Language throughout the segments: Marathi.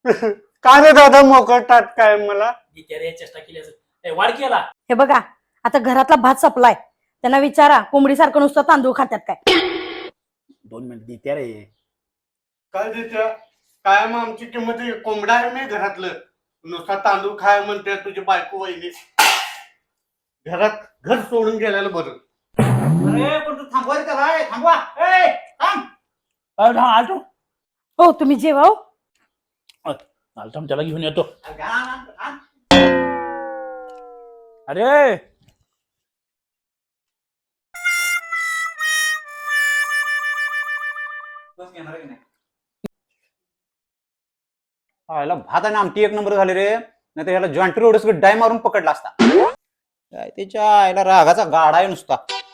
का रे दादा मोकळतात काय मला चेष्टा केली वाढ केला. हे बघा आता घरातला भात सपलाय, त्यांना विचारा कोंबडीसारखं नुसतं तांदूळ खात्यात काय. 2 मिनिट देत्या रे. काय देत्या काय मग आमची किंमत कोंबडा आहे मी घरातलं नुसता तांदूळ खाय म्हणते तुझी बायको वहिनी घरात घर सोडून गेलेलं बरं. अरे पण तू थांबवायचं का काय? थांबवा. ए थांब. आलतो हो तुम्ही जेवा हो. आलतो त्याला घेऊन येतो. अरे याला भात आणि आमटी एक नंबर झाले रे, नाही तर याला जॉइंट रोडच डाय मारून पकडला असता. काय त्याच्या याला रागाचा गाडा आहे नुसता.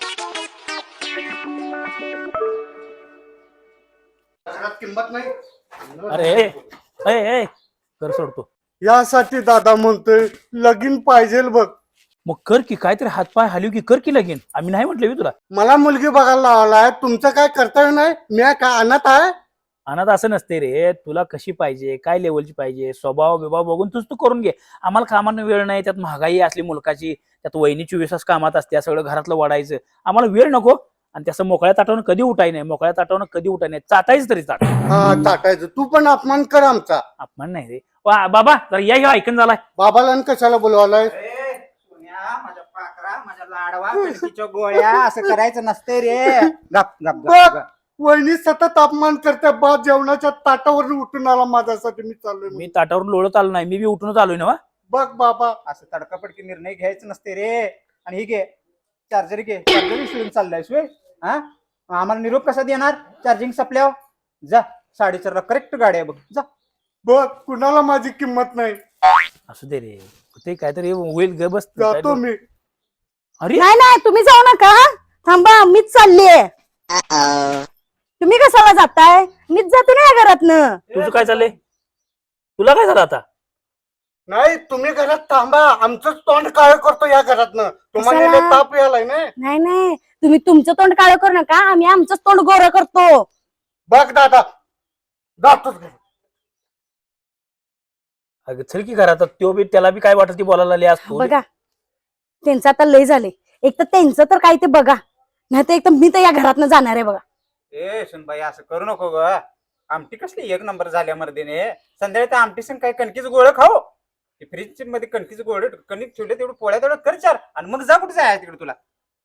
घरात किंमत नाही. अरे ए कर सोडतो. यासाठी दादा म्हणतोय लगीन पाहिजे बघ. मग कर की काहीतरी हातपाय हलव की कर की लगीन. आम्ही नाही म्हटलं तुला. मला मुलगी बघायला लावलाय तुमचं काय कर्तव्य नाही. मी काय अनाथ आहे. अनाथ असं नसते रे. तुला कशी पाहिजे काय लेवलची पाहिजे स्वभाव बिभाव बघून तू करून घे. आम्हाला कामानं वेळ नाही, त्यात महागाई असली मुलकाची, त्यात वहिनी 24 तास कामात असते, सगळं घरातलं वाढायचं. आम्हाला वेळ नको. आणि त्याचं मोकळ्या ताटावून कधी उठाय नाही, मोकळ्या ताटावून कधी उठाय नाही, चाटायचं तरी चाट. हा चाटायचं. तू पण अपमान कर आमचा. अपमान नाही रे बाबा. जरा या ऐकून झालाय. बाबाला आणि कशाला बोलवालाय. माझ्या पाकरा माझ्या लाडवा कणकीच्या गोळ्या असं करायचं नसते रे. गप गप बघ गप. वहिनी सतत अपमान करते. बा जेवणाच्या ताटावर उठून आला माझ्यासाठी. मी चाललोय. मी ताटावरून लोळत आलो नाही, मी बी उठूनच आलोय ना. बघ बाबा असं तडकापडकी निर्णय घ्यायचं नसते रे. आणि ही घे चार्जर घे. चार्जर विसरून चाललायस वे. हा आम्हाला निरोप कसा देणार चार्जिंग संपल्यावर. जा 4:30ला करेक्ट गाडी आहे बघ. जा बघ कुणाला माझी किंमत नाही. असू दे रे, ते काहीतरी होईल ग. बस जातो मी. अरे नाही नाही तुम्ही जाऊ नका, थांबा मीच चाललीये. तुम्ही कशाला जाताय? मीच जाते ना या घरातनं. तुझं काय चाललंय? तुला काय झालं आता? नाही तुम्ही घरात थांबा. आमचं तोंड काळ करतो या घरातनं. तुम्हाला कशाला? लय ताप यायलाय ना. नाही नाही तुम्ही तुमचं तोंड काळं करू नका, आम्ही आमचं तोंड गोरं करतो. बघ दादा जातोच घरी. अगं चल की घरात. तो बी त्याला बी काय वाटत ती बोलायला लागली आज तू. बघा त्यांचं आता लय झाले. एक तर त्यांचं तर काय ते बघा, नाही तर एक तर मी तर या घरातनं जाणार आहे बघा. ए सुनबाई असं करू नको ग. आमटी कसली एक नंबर झाल्या मर्दीने. संध्याकाळी त्या आमटी संग काय कणकीच गोळ खाऊ. फ्रीज मध्ये कणकीच गोळ कणिक ठेवले तेवढं पोळ्या तेवढं कर चार आणि मग जा कुठे जाय तिकडे तुला.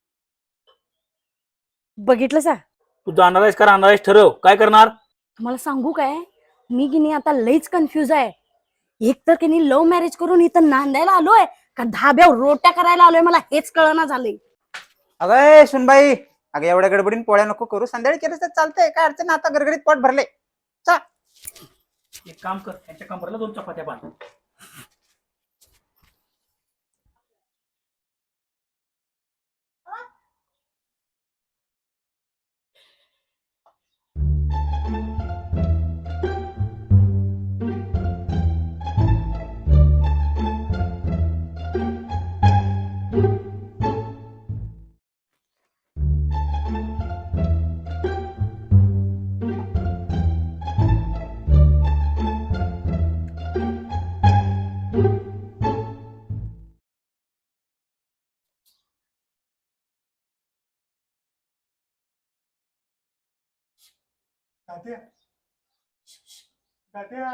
बघितलं सा तू जाणार आहेस का राहणार आहेस ठरव. काय करणार? तुम्हाला सांगू काय, मी की नाही आता लईच कन्फ्युज आहे. एक तर की नाही लव्ह मॅरेज करून इथं नांदायला आलोय का धाब्यावर रोट्या करायला आलोय, मला हेच कळना झालंय. अगं सुनबाई अगं एवढ्या गडबडीन पोळ्या नको करू. संध्याकाळी केलं तर चालतंय. काय अडचण आता गरगरीत पोट भरले. चा एक काम कर, त्यांच्या कमरेला 2 चपात्या बांध. तात्या तात्या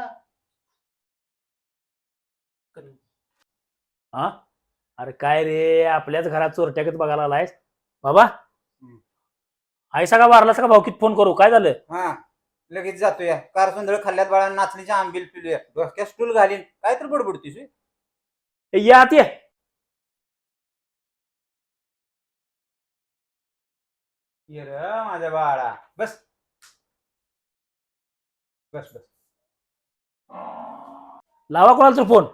हा अरे काय रे, आपल्याच घरात चोरट्यागत बघायला आलायस बाबा. आयसा का वारलास का भाऊकीत फोन करू? काय झालं? हा लगेच जातोया. कार सुंदर खाल्ल्यात बाळा नाचणीच्या आंबील पिलूया. डोक्यात स्टूल घालीन काय तर बडबडतीस. या आत ये. ये र माझ्या बाळा बस बस बस. लावा कोणाला तर फोन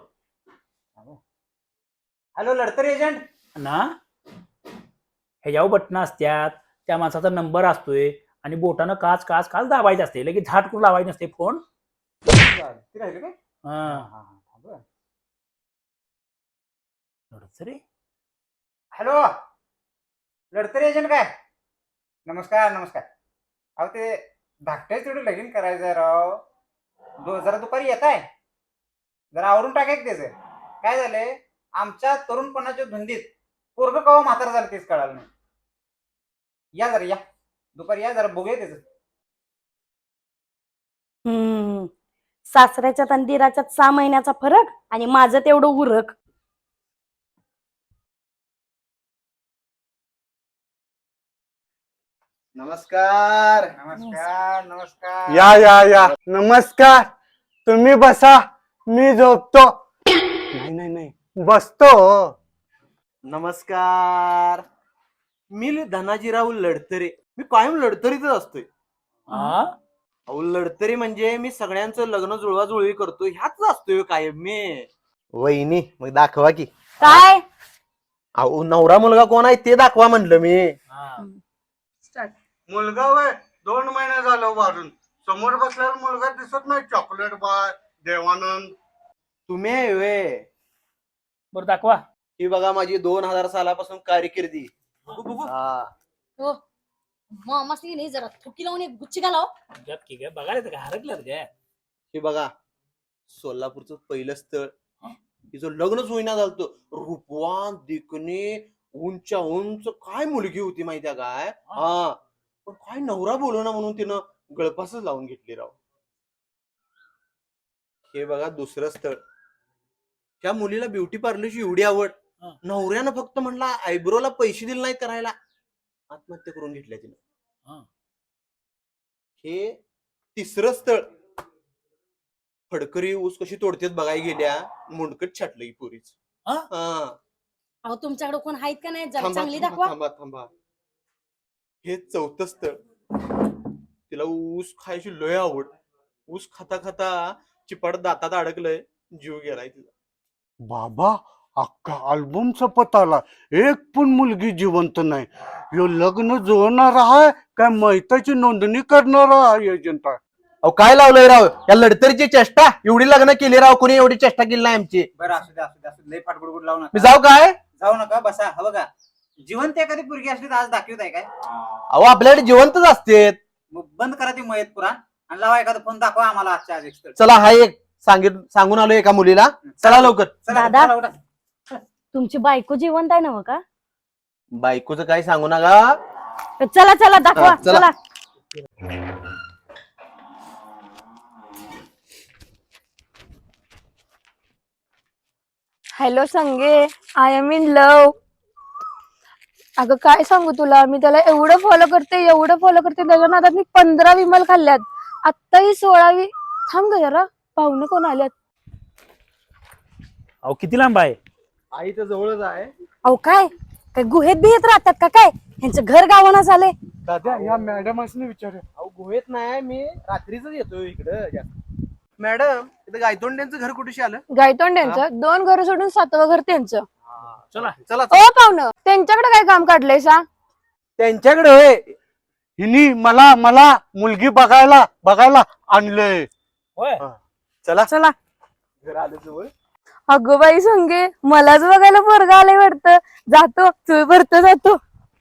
हॅलो लढतर एजंट ना. ह्याच्यावर बटणं असत्यात, त्या माणसाचा नंबर असतोय आणि बोटानं काच काच काच दाबायचं असते. लगेच झाट करून लावायचं नसते फोन. ते राहिलं काय. हा रे. हॅलो लढतर एजंट काय. नमस्कार नमस्कार. अहो ते धाकट्याच तेवढं लगीन करायचंय राव. जरा दुपारी येत आहे. जरा आवरून टाकाय त्याचं. काय झालंय आमच्या तरुणपणाच्या धुंदीत पोरग कवा म्हातार झालं तेच कळालं नाही. या जरा या दुपारी या जरा बघूया त्याचं. सासऱ्याच्यात आणि दिराच्यात 6 महिन्याचा फरक आणि माझं तेवढं उरक. नमस्कार. नमस्कार नमस्कार. या या या नमस्कार. तुम्ही बसा, मी झोपतो. नाही नाही नाही, बसतो. नमस्कार. मी धनाजीराव लडतरे. मी कायम लढतरीतच असतोय. हा अहो लढतरी म्हणजे मी सगळ्यांचं लग्न जुळवाजुळवी करतो ह्याच असतोय कायम मी. वहिनी मग दाखवा की. काय अहो नवरा मुलगा कोण आहे ते दाखवा म्हणलं मी. मुलगा वय 2 महिने झालं वारून. समोर बसलेला मुलगा दिसत नाही. Chocolate by Devanand. तुम्ही आहे व्हय. बरं दाखवा. ही बघा माझी 2000 सालापासून कारकिर्दी. हा. हो मामासनी नाही जरा थुकी लावून एक गुच्ची घालाव. बघायला का हरकलं काय. हे बघा सोलापूरचं पहिलं स्थळ. तिचं लग्नच होईना झालं. रूपवान दिकणे उंच्या उंच काय मुलगी होती माहितीये काय. हा पण काय नवरा बोलू ना म्हणून तिनं गळपासच लावून घेतली राव. हे बघा दुसरं स्थळ. त्या मुलीला ब्युटी पार्लरची एवढी आवड. नवऱ्यानं फक्त म्हणला आयब्रोला पैसे दिले नाहीत करायला आत्महत्या करून घेतल्या तिनं. हे तिसरं स्थळ. फडकरी ऊस कशी तोडतेत बघाय गेल्या मुंडकट छाटलं की पोरीच. अहो तुमच्याकडे कोण आहेत का नाही जरा थांबा चांगली थांबा दाखवा. थांबा थांबा. हे चौथं स्थळ. तिला ऊस खायची लय आवड. ऊस खाता खाता चिपाड दातात अडकलंय जीव गेलाय तिचा. बाबा अख्खा अल्बम सपत आला. एक पण मुलगी जिवंत नाही. यो लग्न जुळणार आहे काय मैताची नोंदणी करणारा एजंट आहे. अहो काय लावलंय राव या लढतरीची चेष्टा. एवढी लग्न केली राव कोणी एवढी चेष्टा केली नाही आमची. बरं असू दे असू दे असू दे. लय पाठगुडगुड लावू मी नका. जाऊ काय. जाऊ नका बसा. हा बघा जिवंत एखादी पोरगी असली तर आज दाखवत आहे काय. अहो आपल्याकडे जिवंतच असते. मग बंद करा ती मयत पुराण आणि लावा एखादा फोन दाखवा आम्हाला आजच्या आज एक स्थळ. चला हा एक सांगून आलो एका मुलीला. चला लवकर. चला, दादा. चला, उठा. तुमची बायको जिवंत आहे ना हो का. बायकोचं काही सांगू नका. चला चला दाखवा. हा, चला. चला हॅलो संगे, आय एम इन लव. अगं काय सांगू तुला, मी त्याला एवढं फॉलो करते त्याच्या नादात मी 15 विमल खाल्ल्यात. आत्ता ही 16वी. थांब ग जरा, पाहुणे कोण आल्यात. अहो किती लांब आहे. आई तर जवळच आहे. अहो काय काय गुहेत बिहेत राहतात का काय. ह्यांचं घर गावाना झालंय. दादा या मॅडम असणे विचार. अहो गुहेत नाही मी रात्रीच येतो इकडं. मॅडम इथं गायतोंड्यांचं घर कुठेशी आलं. गायतोंड्यांचं 2 घर सोडून 7वं घर त्यांचं. चला चला ओ पाहुणं, त्यांच्याकडे काय काम काढलंय सा. त्यांच्याकडे होय. हिनी मला मला मुलगी बघायला आणलंय. होय चला चला घर आलं जवळ. अगं बाई संगे, मलाच बघायला पोरगा आलंय वाटतं. जातो तू भरतो जातो.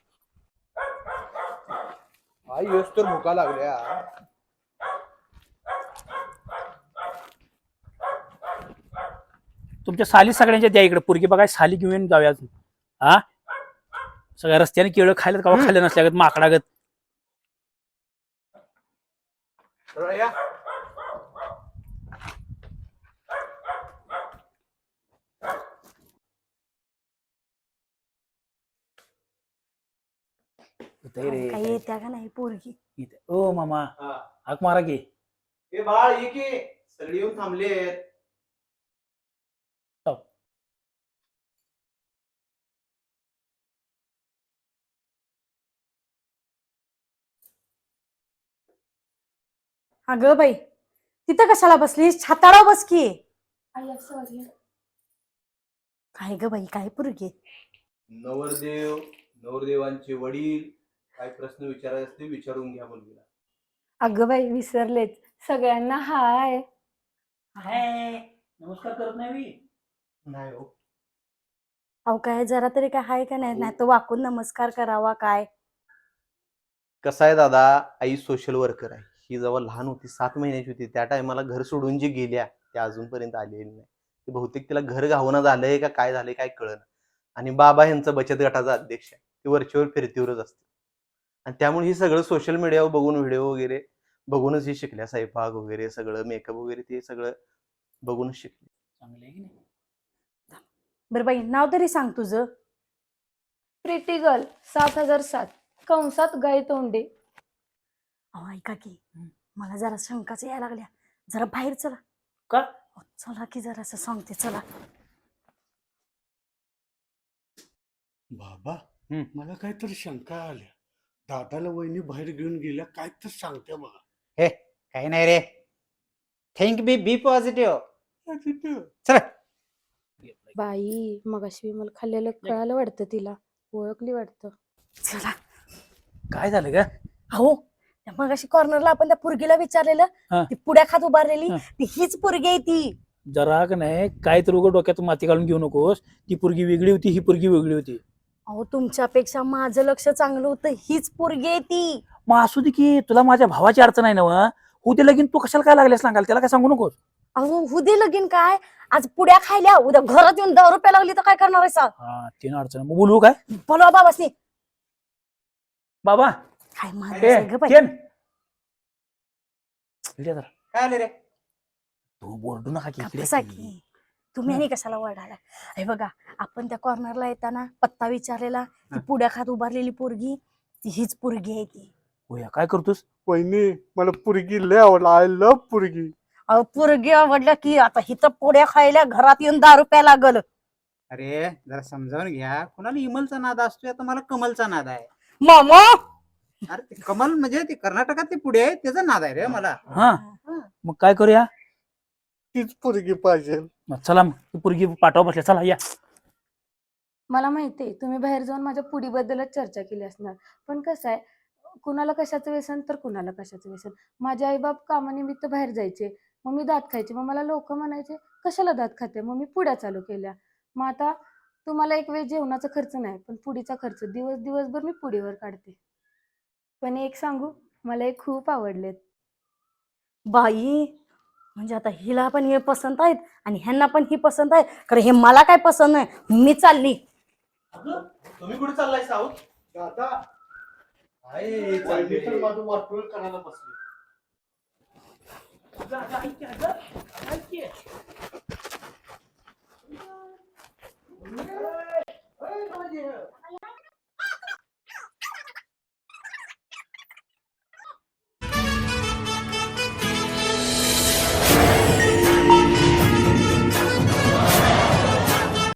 आई येस तर भुका लागल्या. तुमच्या साली सगळ्यांच्या द्या इकडे पोरगी बघाय साली घेऊन जाऊया. हा सगळ्या रस्त्याने केळं खायला कवा खाल्लं नसल्यागत माकडागत. या. काही येत्या का नाही पोरगी. ओ मामा हा. हाक मारा की. ए बाळ ये की सगळी येऊन थांबलेत. अगं बाई तिथं कशाला बसलीस. छाताडाव बस की. काय ग बाई काय पोरगी. नवरदेव नवरदेवांचे वडील काय प्रश्न विचारायचे असते विचारून घ्या मुलगीला. अगं बाई विसरलेच. सगळ्यांना हाय. नमस्कार करत नाही मी. नाही हो. अहो काय जरा तरी काय हाय का नाही. नाही तर वाकून नमस्कार करावा काय. कसं आहे दादा, आई सोशल वर्कर आहे. ही जेव्हा लहान होती 7 महिन्याची होती त्या टायमाला घर सोडून जी गेल्या त्या अजूनपर्यंत आलेली नाही. ते बहुतेक तिला घर घावणं झालंय का काय झालंय काय कळलं. आणि बाबा ह्यांचा बचत गटाचा अध्यक्ष आहे, ते वरच्यावर फिरतीवरच असते. आणि त्यामुळे हे सगळं सोशल मीडियावर बघून व्हिडिओ वगैरे बघूनच हे शिकल्या, स्वयंपाक वगैरे सगळं मेकअप वगैरे ते सगळं बघूनच शिकले. चांगलं आहे की नाही? बरं बाई नाव तरी सांग तुझं. प्रिटी गर्ल 7007 कंसात गाय तोंडे. अहो ऐका की मला जरा शंकाच यायला लागल्या, जरा बाहेर चला. का? अहो, चला की जरा सांगते चला. बाबा हम्म. मला काहीतरी शंका आल्या. दादाला वहिनी बाहेर घेऊन गेल्या काय तर सांगते बघा. हे काही नाही रे. थिंक बी पॉझिटिव्ह. चल. बाई मगाशी विमल खाल्लेलं कळालं वाटतं तिला, ओळखली वाटतं. चला. काय झालं का? अहो मग अशी कॉर्नरला आपण त्या पुरगीला विचारलेलं, हा. ती पुड्या खात उभारलेली, हा. ती हीच पुरगी आहे ती. जरा का नाही काय तर उघड डोक्यात माती घालून घेऊ नकोस. ती पोरगी वेगळी होती, ही पोरगी वेगळी होती. अहो तुमच्यापेक्षा माझं लक्ष चांगलं होतं, हीच पोरगी आहे ती. मग असू दे की, तुला माझ्या भावाची अडचण आहे ना व? हो ते लगीन तू कशाला काय लागले सांगाल, त्याला काय सांगू नकोस. अहो हुदे लगीन काय, आज पुड्या खायल्या उद्या घरात येऊन 10 रुपये लागली तर काय करणार आहे सा? हा तीन अडचण मग बोलू काय बोलवा बाबासनी. बाबा? काय ए, माहिती ग बाई. केन. इकडे जरा. काय आले रे? तू बोलू नका की, इकडे बसा की. की. तुम्ही आणि कशाला वरडाला? हे बघा आपण त्या कॉर्नरला येताना पत्ता विचारलेला, ती पुड्या खात उभारलेली पोरगी, ती हीच पोरगी आहे ती. होय, काय करतोस? वहिनी मला पुरगी लय आवडला. आय लव्ह पुरगी. अहो पोरगी आवडल्या की आता हिथं पुड्या खायला घरात येऊन 10 रुपये लागल. अरे जरा समजावून घ्या. कुणाला इमलचा नाद असतोय, आता मला कमलचा नाद आहे. मामा अरे ते कमल म्हणजे ते कर्नाटकात ते पुढे आहे, त्याचा नाद आहे रे मला. हा मग काय करूया? तीच पुरगी पाहिजे. मग चला मग ती पोरगी पाठवा बसल्या, चला या. मला माहितीये तुम्ही बाहेर जाऊन माझ्या पुडीबद्दलच चर्चा केली असणार, पण कसं आहे, कुणाला कशाचं व्यसन तर कुणाला कशाचं व्यसन. माझे आईबाप कामानिमित्त बाहेर जायचे, मग मी दात खायचे, मग मला लोक म्हणायचे कशाला दात खाते, मग मी पुड्या चालू केल्या. मग आता तुम्हाला एक वेळ जेवणाचा खर्च नाही, पण पुडीचा खर्च दिवसभर मी पुडीवर काढते. पण एक सांगू, मला एक खूप आवडलेत. बाई म्हणजे आता हिला पण हे पसंत आहेत आणि ह्यांना पण ही पसंत आहे, कारण हे मला काय पसंत नाही. मी चालली. तुम्ही कुठे चाललाय साऊथ? दादा काय वहिनी तर चाललंय? माझं वाटोळ करायला बसली.